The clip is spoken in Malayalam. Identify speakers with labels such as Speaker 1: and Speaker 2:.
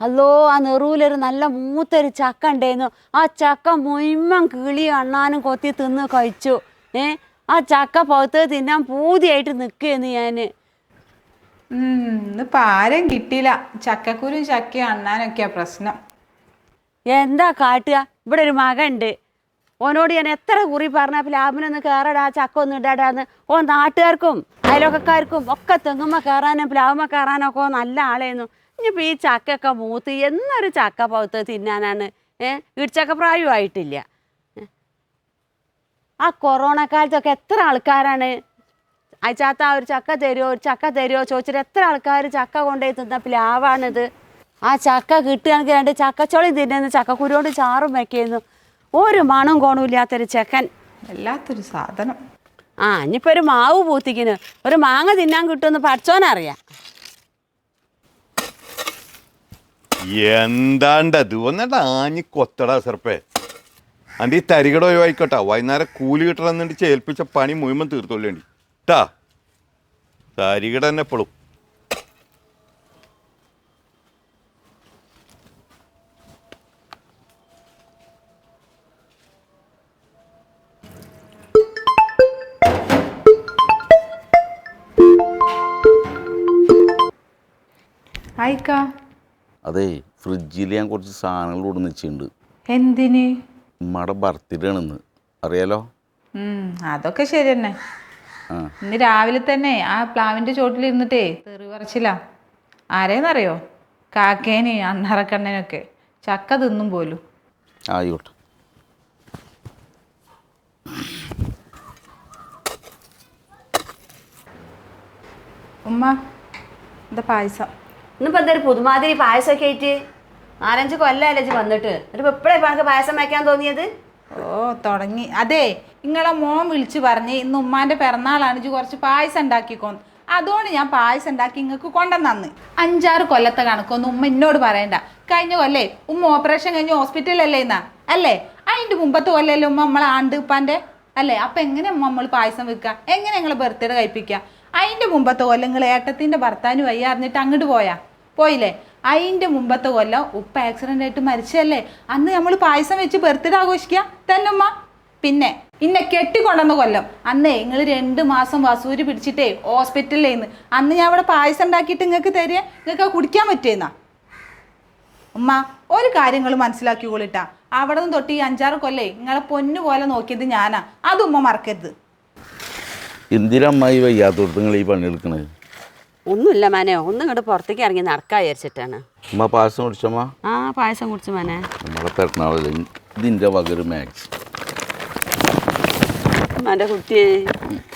Speaker 1: അല്ലോ ആ നെറൂലൊരു നല്ല മൂത്തൊരു ചക്ക ഉണ്ടായിരുന്നു. ആ ചക്ക മുഴുവൻ കിളി അണ്ണാനും കൊത്തി തിന്ന് കഴിച്ചു. ആ ചക്ക പൗത്ത് തിന്നാൻ പൂതിയായിട്ട് നിൽക്കുകയെന്ന് ഞാൻ.
Speaker 2: ഇന്നിപ്പോൾ ആരും കിട്ടിയില്ല. ചക്കക്കുരും ചക്കയും അണ്ണാനൊക്കെയാ പ്രശ്നം.
Speaker 1: എന്താ കാട്ടുക? ഇവിടെ ഒരു മകനുണ്ട്. ഓനോട് ഞാൻ എത്ര കുറി പറഞ്ഞ പ്ലാവിനൊന്ന് കയറടാ, ചക്ക ഒന്നും ഇടാടാന്ന്. ഓ നാട്ടുകാർക്കും അയൽവക്കക്കാർക്കും ഒക്കെ തെങ്ങുമ്മ കയറാനും പ്ലാവുമ്മ കയറാനൊക്കെ നല്ല ആളായിരുന്നു. ഇനിയിപ്പോൾ ഈ ചക്കയൊക്കെ മൂത്ത് എന്നൊരു ചക്ക പൗത്ത് തിന്നാനാണ്. ഇടിച്ചക്ക പ്രായമായിട്ടില്ല. ആ കൊറോണ കാലത്തൊക്കെ എത്ര ആൾക്കാരാണ് അയച്ചാത്ത ഒരു ചക്ക തരുമോ ഒരു ചക്ക തരുമോ ചോദിച്ചിട്ട് എത്ര ആൾക്കാർ ചക്ക കൊണ്ടുപോയി തിന്ന പ്ലാവാണിത്. ആ ചക്ക കിട്ടുകയാണെങ്കിൽ രണ്ട് ചക്കച്ചോളി തിന്നുന്നു, ചക്കക്കുരുകൊണ്ട് ചാറും വയ്ക്കുന്നു. ഒരു മണം കോണമില്ലാത്തൊരു ചെക്കൻ.
Speaker 2: വല്ലാത്തൊരു സാധനം.
Speaker 1: ഇനിയിപ്പോൾ ഒരു മാവ് പൂത്തിക്കുന്നു, ഒരു മാങ്ങ തിന്നാൻ കിട്ടുമെന്ന് പഠിച്ചോനറിയാം.
Speaker 3: എന്താണ്ടത് ഒന്നണ്ട ആഞ്ഞി കൊത്തടാ സെർപ്പേ. അൻ്റെ ഈ തരികട ഒഴിവായിക്കോട്ടാ. വൈകുന്നേരം കൂലി കിട്ടണമെന്നുണ്ട് ചേൽപ്പിച്ച പണി മുഴുവൻ തീർത്തോളേണ്ടി ട്ടാ. തരികട തന്നെ എപ്പോഴും.
Speaker 2: ആയിക്കാ
Speaker 4: അതെ, ഫ്രിഡ്ജിൽ ഞാൻ കുറച്ച് സാധനങ്ങൾ കൊടുന്ന് വെച്ചിട്ടുണ്ട്.
Speaker 2: എന്തിന്?
Speaker 4: ഉമ്മയുടെ ബർത്ത്ഡേ ആണെന്ന് അറിയാലോ.
Speaker 2: അതൊക്കെ ശരി തന്നെ. ഇന്ന് രാവിലെ തന്നെ ആ പ്ലാവിൻ്റെ ചോട്ടിലിരുന്നിട്ടേ തെറി പറിച്ചില്ല. ആരേന്നറിയോ? കാക്കേനെ അണ്ണറക്കണ്ണനൊക്കെ ചക്ക തിന്നും പോലും.
Speaker 4: ആയിക്കോട്ടെ.
Speaker 2: ഉമ്മ എന്താ പായസം?
Speaker 1: ഇന്നിപ്പോൾ എന്തൊരു പുതുമാതിരി പായസമൊക്കെ ആയിട്ട് 4-5 കൊല്ലമല്ലേ വന്നിട്ട്, എന്നിട്ട് എപ്പോഴാണ് ഇപ്പോൾ എനിക്ക് പായസം വയ്ക്കാൻ തോന്നിയത്?
Speaker 2: തുടങ്ങി. അതെ, നിങ്ങളെ മോൻ വിളിച്ച് പറഞ്ഞ് ഇന്ന് ഉമ്മാൻ്റെ പിറന്നാളാണ്, ഇജ്ജ് കുറച്ച് പായസം ഉണ്ടാക്കിക്കോന്ന്. അതുകൊണ്ട് ഞാൻ പായസം ഉണ്ടാക്കി നിങ്ങൾക്ക് കൊണ്ടുവന്നു. 5-6 കൊല്ലത്തെ കണക്കൊന്നും ഉമ്മ എന്നോട് പറയണ്ട. കഴിഞ്ഞ കൊല്ലേ ഉമ്മ ഓപ്പറേഷൻ കഴിഞ്ഞ് ഹോസ്പിറ്റലല്ലേ എന്നാ അല്ലേ? അതിൻ്റെ മുമ്പത്തെ കൊല്ലല്ലേ ഉമ്മ നമ്മളെ ആണ്ട് ഉപ്പാൻ്റെ അല്ലേ? അപ്പം എങ്ങനെ നമ്മൾ പായസം വെക്കുക? എങ്ങനെ ഞങ്ങളെ ബർത്ത്ഡേ കഴിപ്പിക്കുക? അതിൻ്റെ മുമ്പത്തെ കൊല്ലം നിങ്ങൾ ഏട്ടത്തിൻ്റെ ഭർത്താവിന് വയ്യ അറിഞ്ഞിട്ട് അങ്ങോട്ട് പോയില്ലേ? അതിൻ്റെ മുമ്പത്തെ കൊല്ലം ഉപ്പ ആക്സിഡൻ്റ് ആയിട്ട് മരിച്ചല്ലേ? അന്ന് നമ്മൾ പായസം വെച്ച് ബർത്ത്ഡേ ആഘോഷിക്കുക തന്നെ ഉമ്മ. പിന്നെ ഇന്നെ കെട്ടിക്കൊണ്ടുവന്ന കൊല്ലം അന്നേ നിങ്ങൾ 2 മാസം വസൂരി പിടിച്ചിട്ടേ ഹോസ്പിറ്റലിലേന്ന്. അന്ന് ഞാൻ അവിടെ പായസം ഉണ്ടാക്കിയിട്ട് നിങ്ങൾക്ക് തരിക, നിങ്ങൾക്ക് കുടിക്കാൻ പറ്റിയെന്നാ? ഉമ്മ ഒരു കാര്യങ്ങൾ മനസ്സിലാക്കിക്കൊള്ളിട്ടാ. അവിടെ നിന്ന് തൊട്ട് ഈ 5-6 കൊല്ലേ നിങ്ങളെ പൊന്നു പോലെ നോക്കിയത് ഞാനാ. അത് ഉമ്മ മറക്കരുത്.
Speaker 4: എന്തിനമ്മായി വയ്യാത്തോടത്ത് നിങ്ങൾ ഈ പണിയെടുക്കണത്?
Speaker 1: ഒന്നുമില്ല മാനെ, ഒന്നും ഇങ്ങോട്ട് പുറത്തേക്ക് ഇറങ്ങി നടക്കാൻ വിചാരിച്ചിട്ടാണ്.
Speaker 4: അമ്മ പായസം കുടിച്ചമ്മ?
Speaker 1: പായസം കുടിച്ചു മാനെ.
Speaker 4: നമ്മളെ പെരുന്നാളല്ലേ ഇതിൻ്റെ വകര് മാക്സ്
Speaker 1: എൻ്റെ കുട്ടിയെ